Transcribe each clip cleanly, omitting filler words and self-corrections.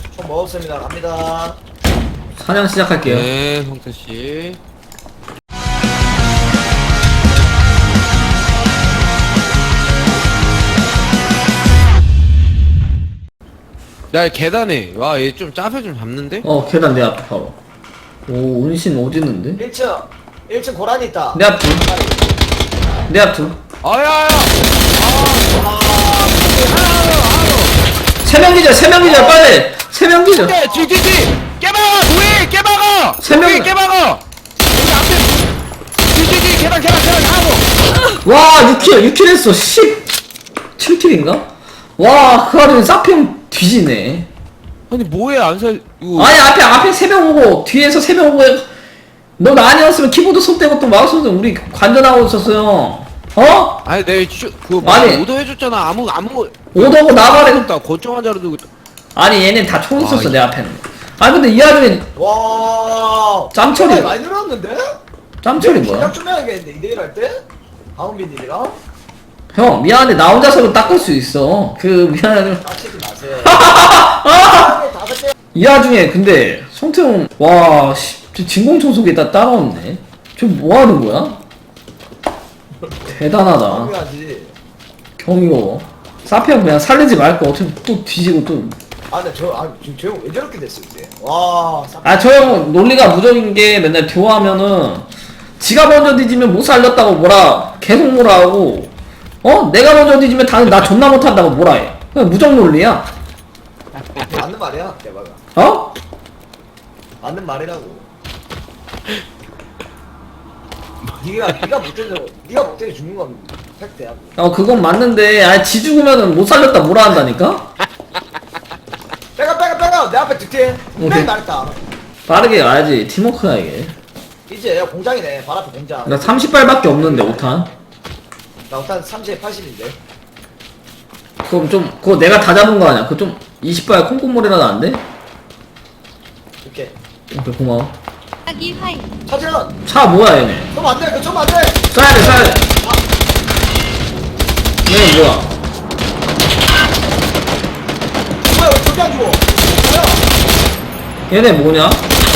총 먹었습니다. 갑니다. 사냥 시작할게요. 네, 성태씨. 야, 계단에. 와, 얘 좀 짜fe 좀 잡는데? 계단 내 앞에 바로. 오, 은신 어디 있는데? 1층 고라니 있다. 내 앞 둘. 내 앞 둘. 아야야! 세명 기절, 세명 기절, 빨리! 세명 기절. 네, 뒤뒤뒤! 깨박아! 도희! 깨박아! 세 명- 도희, 깨박아! 여기 앞에! 뒤뒤뒤! 계단 하고! 와, 6킬 했어. 17킬인가? 와, 그 와중에 사평 뒤지네. 아니, 뭐해, 안 살, 이거. 아니, 앞에 3명 오고, 뒤에서 3명 오고, 너 나 아니었으면 키보드 손 떼고 또 마우스 우리 관전하고 있었어요. 어? 아니, 그거 아니. 오더 해줬잖아. 아무, 오더고 나발에. 없다. 권총한 자로 두고. 아니, 얘네 다 총 있었어, 아, 내 앞에는. 아니, 근데 이 와중에 와. 짬처리. 많이 늘었는데? 짬처리 뭐야? 시작 좀 해야겠는데 2대1 할 때? 하은빈님이랑? 형, 미안해. 나 혼자서는 닦을 수 있어. 미안해. 빡치지 마세요. 아! 5개. 이 와중에, 근데, 성태형, 와, 진공청소기 다 따라왔네. 저 뭐 하는 거야? 대단하다. 중요하지. 경이고. 사피형 그냥 살리지 말고 어차피 또 뒤지고 또. 아, 근데 지금 저 형 왜 저렇게 됐어, 이제? 와, 아, 저 형 논리가 무적인 게 맨날 듀오하면은 지가 먼저 뒤지면 못 살렸다고 뭐라 계속 뭐라 하고, 내가 먼저 뒤지면 당연히 나 존나 못한다고 뭐라 해. 그냥 무적 논리야. 맞는 말이야, 대박아. 어? 맞는 말이라고. 네가 못 때려 죽는 건 팩트야. 그건 맞는데, 지 죽으면은 못 살렸다 뭐라 한다니까? 빼가 내 앞에 득템. 오케이. 분명히 말했다. 빠르게 가야지. 팀워크야, 이게. 이제 공장이네. 발 앞에 공장. 나 30발밖에 없는데, 5탄. 나 일단 30에 80인데. 그거 내가 다 잡은 거 아니야? 그거 좀 20발 콩콩몰이라도 안 돼? 오케이. 오케이, 고마워. 하기 화이 차지런. 차 뭐야, 얘네? 좀 안 돼. 그좀 안 돼. 쏴야 돼. 얘네 뭐야? 뭐야, 왜 저기 안 죽어? 뭐야? 얘네 뭐냐?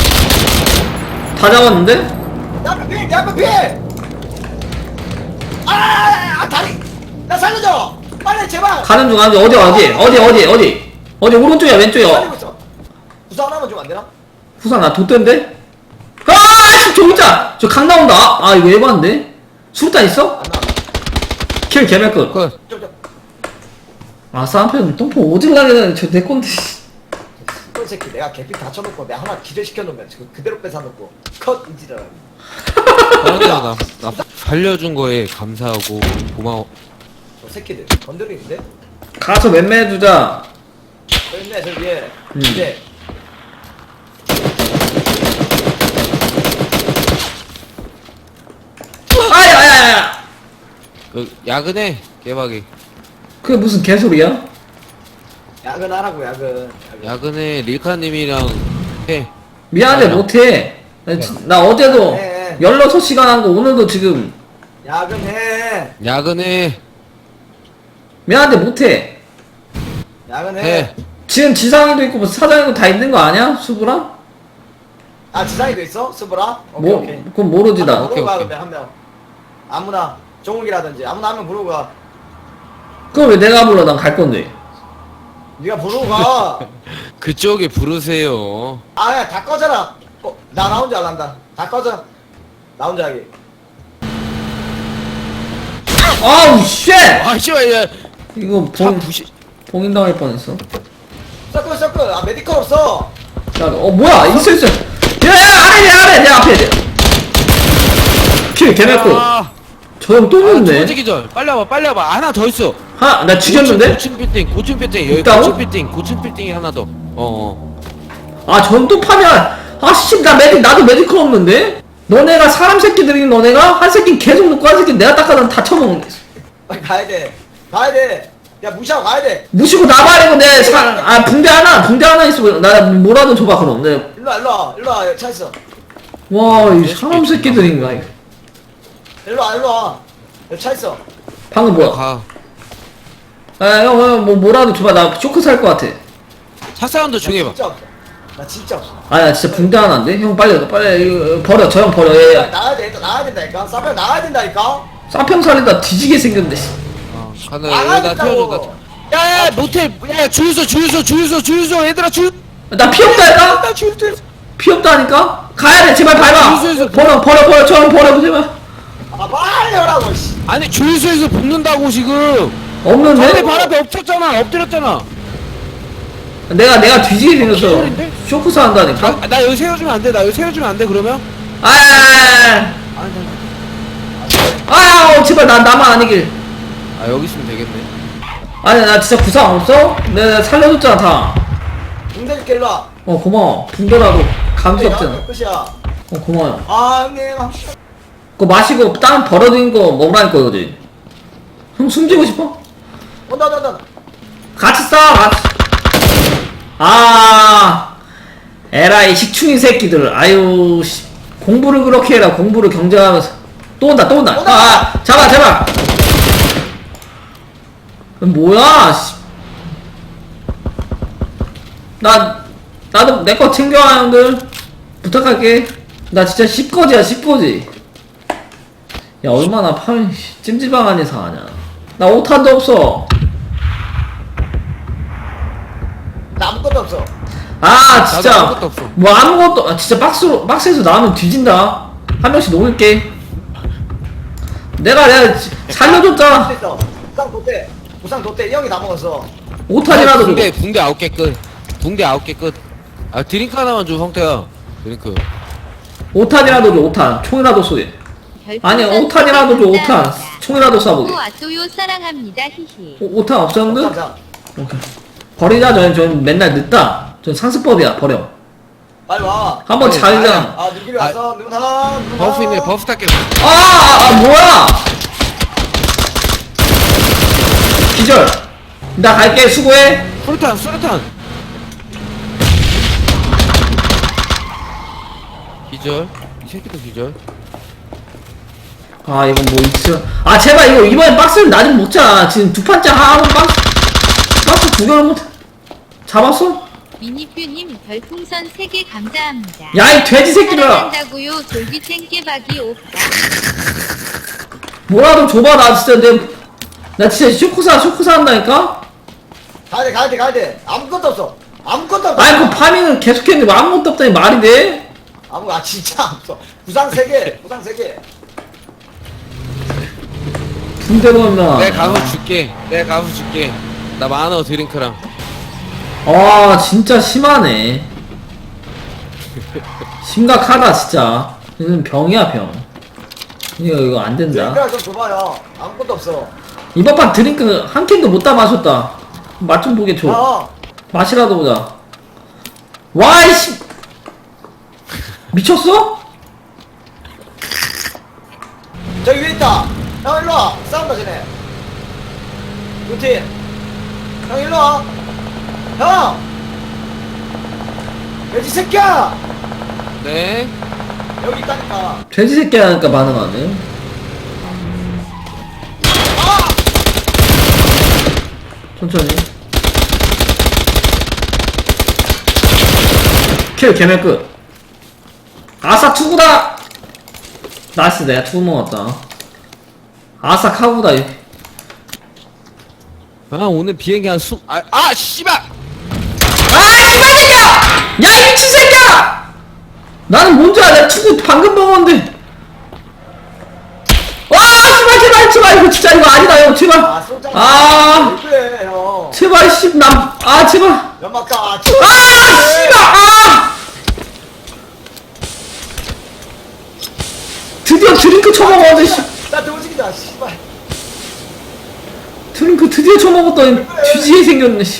다 잡았는데? 내 앞에 피해! 다리! 나 살려줘! 빨리, 제발! 가는 중 어디 오른쪽이야 왼쪽이야? 살리고 있어. 부상 하나만 주면 안 되나? 후상 나 돛대인데? 저기 있자! 저 강 나온다! 이거 에반데? 수류탄 있어? 안 나와. 킬 개멸끝. 그, 좀. 쌍편 똥포 오질라게 되는 저 내 건데. 이 새끼 내가 개피 다쳐놓고 내가 하나 기절시켜놓으면 지금 그대로 뺏어놓고 컷 인지더라. 나 살려준 거에 감사하고 고마워. 저 새끼들 건드리는데? 가서 맴매해주자. 저 있네 저 위에. 음. 이제 아야야야! 그, 야근해, 깨박이. 그게 무슨 개소리야? 야근하라고 야근. 야근해, 릴카님이랑 해. 미안해 아니야. 못해. 나 어제도 네. 16시간 한 거 오늘도 지금 야근해. 야근해. 미안한데 못해. 야근해. 해. 지금 지상이도 있고 뭐 사장이도 다 있는 거 아니야? 수부랑? 아 지상이도 있어? 스브라? 오케이 오케이. 그건 모르지 나. 부르고 가 오케이. 그러면 한 명. 아무나 종욱이라든지 아무나 한 명 부르고 가. 그걸 왜 내가 불러? 난 갈 건데. 네가 부르고 가. 그쪽에 부르세요. 아야 다 꺼져라. 나 혼자 안 한다. 다 꺼져. 나 혼자 하기. 아우 쉣! 아, 씨발, 야. 이거 차 부시. 봉인 당할 뻔했어. 서클. 아 메디컬 없어. 야, 뭐야? 있어. 야, 아래 내 앞에. 킬 개맵고. 저 형 또 두 죽네. 번째 기절. 빨리 와봐. 하나 더 있어. 나 죽였는데? 고층 빌딩. 여기 있다고? 고층 빌딩이 하나 더. 저 형 또 파면. 씨, 나도 메디컬 없는데? 너네가 사람 새끼들이 너네가? 한 새끼 계속 놓고 한 새끼 내가 닦아서 다 쳐먹는. 빨리 가야 돼. 야 무시하고 가야 돼. 무시고 나발이고 붕대 하나 있어. 나 뭐라도 줘봐, 그럼. 일로 와. 차 있어. 와, 이 사람 새끼들인가, 이거. 일로 와. 여기 차 있어. 방금 뭐야? 가. 형, 뭐라도 줘봐. 나 쇼크 살 것 같아. 차 사운드 조용히 해봐. 진짜 없어. 나 진짜 없어. 아나 진짜 붕대 하나인데? 형 빨리 이거 버려 저 형 버려 얘 나가야 돼. 일단 나가야 된다니까. 싸면 나가야 된다니까. 싸평 살리다 뒤지게 생겼네 씨. 가나 나가야 나 태워줘. 된다고. 야야 모텔 야 주유소 얘들아 주. 나 피 없다니까? 나 주유소. 피 없다니까? 가야 돼 제발 밟아 주유소에서 버려 저 형 버려 제발 아 빨리 오라고. 씨. 아니 주유소에서 볶는다고 지금. 없는데? 전에 발 앞에 엎쳤잖아. 엎드렸잖아. 내가 뒤지게 생겼어 기절인데? 쇼크사 한다니까? 나 여기 세워주면 안 돼. 나 여기 세워주면 안 돼. 그러면? 제발 나만 아니길 아 여기 있으면 되겠네. 아니 나 진짜 구상 없어? 내가 살려줬잖아 다 붕대 줄게 일로 와. 고마워 붕대라도 감기 없잖아 끝이야. 고마워요 아 형님. 그거 마시고 땅 벌어진 거 먹으라니까 이거지 형 숨지고 싶어? 온다. 같이 싸 에라이 식충인 새끼들 아유 씨 공부를 그렇게 해라 공부를 경쟁하면서 또 온다 잡아 제발 뭐야 씨. 나도 내 거 챙겨와 형들 부탁할게 나 진짜 10거지야 10거지 야 얼마나 파면 찜질방 안에서 하냐 나 5탄도 없어 나 아무것도 없어. 아 진짜 나도 아무것도 없어. 뭐 아무것도 진짜 박스에서 나오면 뒤진다 한 명씩 녹일게 내가 살려줬잖아 있어. 부상 뒀대. 이 형이 다 먹었어. 5탄이라도 붕대 9개 끝. 붕대 9개 끝. 아 드링크 하나만 줘 성태야. 드링크. 5탄이라도 줘 5탄 총이라도 쏘게 아니 5탄이라도 줘 5탄 총이라도 쏴보게 아또요 사랑합니다 히히 5탄 없어 형들? 감사. 오케이 버리자 전 맨날 늦다 전 상습법이야 버려 빨리 와. 한번 아니, 자기장 아 누기로 왔어. 누구 사람? 버프 있네. 버프 탈게. 뭐야 기절 나 갈게 수고해 수류탄. 기절. 이 새끼도 기절. 아 이건 뭐 있어 제발 이거 이번엔 박스를 나 좀 먹자 지금 두 판째 하는 박스 두 개를 못 잡았어? 미니뷰님 별풍선 3개 감사합니다. 야 이 돼지 새끼들아 사랑한다고요 돌비생 깨박이 오빠. 뭐라도 줘봐 나 진짜 나 진짜 쇼크사 한다니까? 가야 돼. 아무것도 없어. 아니 그 파밍은 계속했는데 뭐 아무것도 없다니 말이 돼? 진짜 없어. 부상 3개. 붕대 넣나 내가 가서 줄게. 나 만원 드링크랑. 진짜 심하네 심각하다 진짜 이건 병이야 병 이거 안 된다 드링크랑 좀 줘봐요. 아무것도 없어. 이번 판 드링크 한 캔도 못 다 마셨다 맛 좀 보게 줘 어. 맛이라도 보자 와이씨 미쳤어? 저기 위에 있다. 형 일로 와. 싸운다 쟤네. 루틴. 형 일로 와. 형. 돼지 새끼야. 네. 여기 있다니까. 돼지 새끼 하니까 반응하네 천천히 킬 개멸 끝 아싸 투구다 나이스 내가 투구 먹었다 아싸 카구다 오늘 비행기 씨발! 씨발 새끼야! 야 이 미친 새끼야! 나는 뭔지 알아 내가 투구 방금 먹었는데 와 제발 이거 진짜 이거 아니다 형 제발 쏘잖아. 왜 그래 형. 제발 제발 연막다. 씨발 드디어 드링크 처먹었는데 나 도지기다. 씨발. 드링크 드디어 처먹었더니 뒤지게 생겼네 씨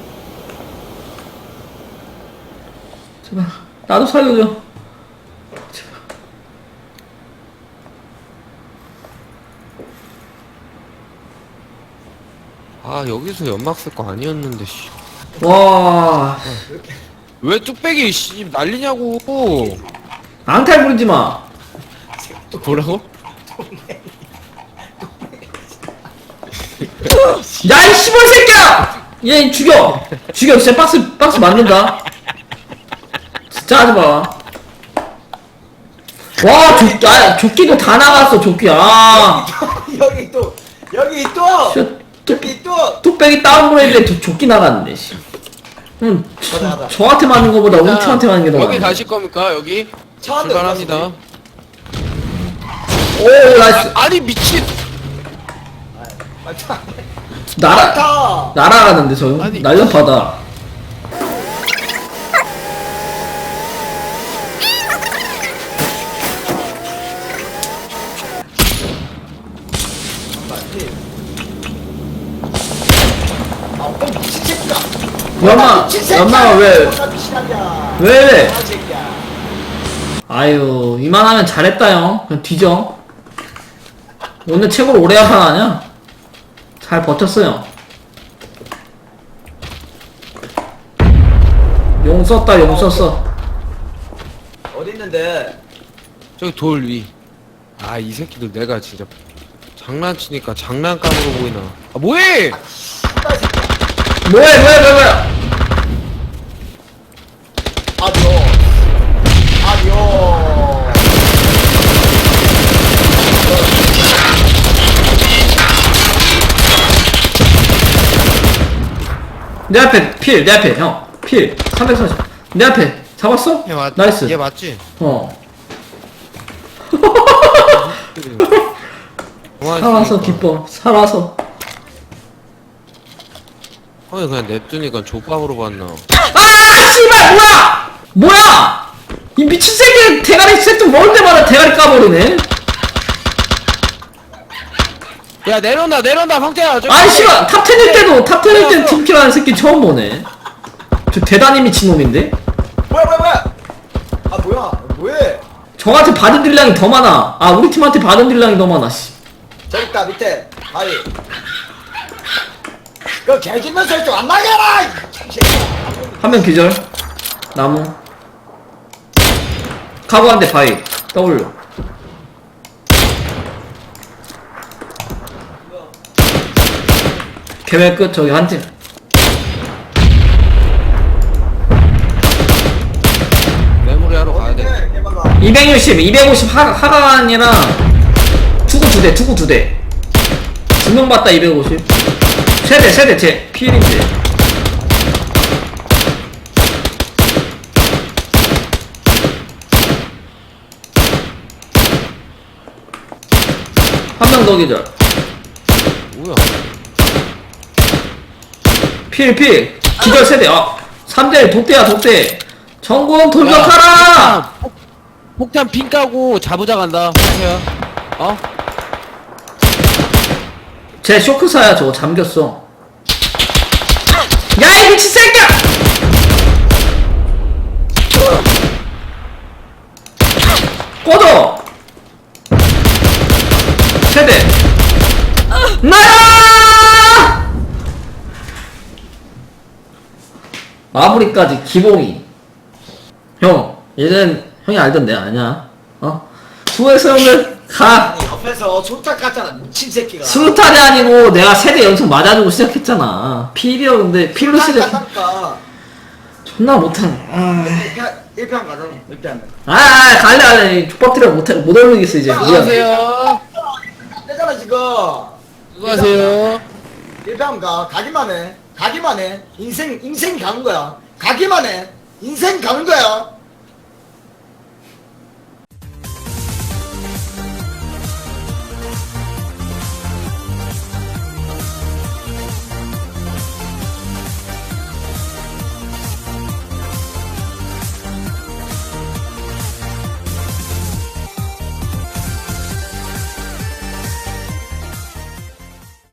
제발 나도 살려줘 제발 여기서 연막 쓸 거 아니었는데 씨. 와 왜 뚝배기 씨 난리냐고. 앙탈 부리지마 뭐라고? 야이 씨발 새끼야! 얘 죽여 진짜 박스 맞는다 진짜 하지마 와 조끼도 다 나갔어 조끼 여기 또 여기 또 뚝배기 다운그레이드에 조끼 나갔는데 씨. 가자. 저한테 맞는 거보다 우리 팀한테 맞는 게 더 여기 많네. 가실 겁니까? 여기? 차한대 출발합니다. 오 나이스 아니 미친. 맞다. 날아 날아가는데 저 아니. 날렵하다 미친 새끼야. 연마가 왜 미친놈이야. 왜? 아, 새끼야. 아유 이만하면 잘했다 형 그냥 뒤져 오늘 최고로 오래 한판 아냐? 잘 버텼어요 용 썼다 용 썼어 어디 있는데? 저기 돌 위. 아 이 새끼들 내가 진짜 장난치니까 장난감으로 보이나. 아 뭐해? 씨발 새끼야. 뭐야 아디오. 내 앞에 내 앞에 형필 340 내 앞에 잡았어? 나이스 얘 맞지? 살아서 기뻐 살아서 형이 그냥 냅두니까 족밥으로 봤나. 아 씨발 뭐야 이 미친 새끼 대가리 새좀 먹을 때마다 대가리 까버리네 야 내려온다 황태야. 저기. 아이 씨발 탑 10일 때도 탑 10일 때 팀킬하는 새끼 처음 보네 저 대단히 미친놈인데 뭐야? 아 뭐해? 저한테 받은 딜량이 더 많아 아 우리 팀한테 받은 딜량이 더 많아 씨. 저기 있다 밑에. 아이. 그 개짓면 설정 안 나게 해라. 이 새끼야. 한 명 기절 나무 카고 한 대 바위 W 계획 끝 저기 한팀 메모리하러 가야 돼. 어딘데, 개발아. 250 하강이랑 투구 2대 투구 2대 두명 봤다 250 세대 제 필인데 한 명 더 기절 뭐야? 필 기절 세대 3대 독대 정군 돌격하라 폭탄 핀 까고 자부자 간다. 황태야. 어? 제 쇼크사야 저거 잠겼어 야 이 미친 새끼야 꺼져 세대 나야 마무리까지 기봉이 형 얘는 형이 알던데 아니야 수고했어 형들 가 아니 옆에서 손짝 같잖아 미친 새끼가. 수류탄이 아니고 내가 세대 연속 맞아주고 시작했잖아 필이었는데 필로 시작 까 존나 못하네 1편 가자. 1편. 갈래 족밥들이라 못 올리겠어 이제 미안 수고하세요. 떼잖아 지금. 수고하세요. 1편 가기만 해. 인생 가는 거야. 가기만 해. 인생 가는 거야.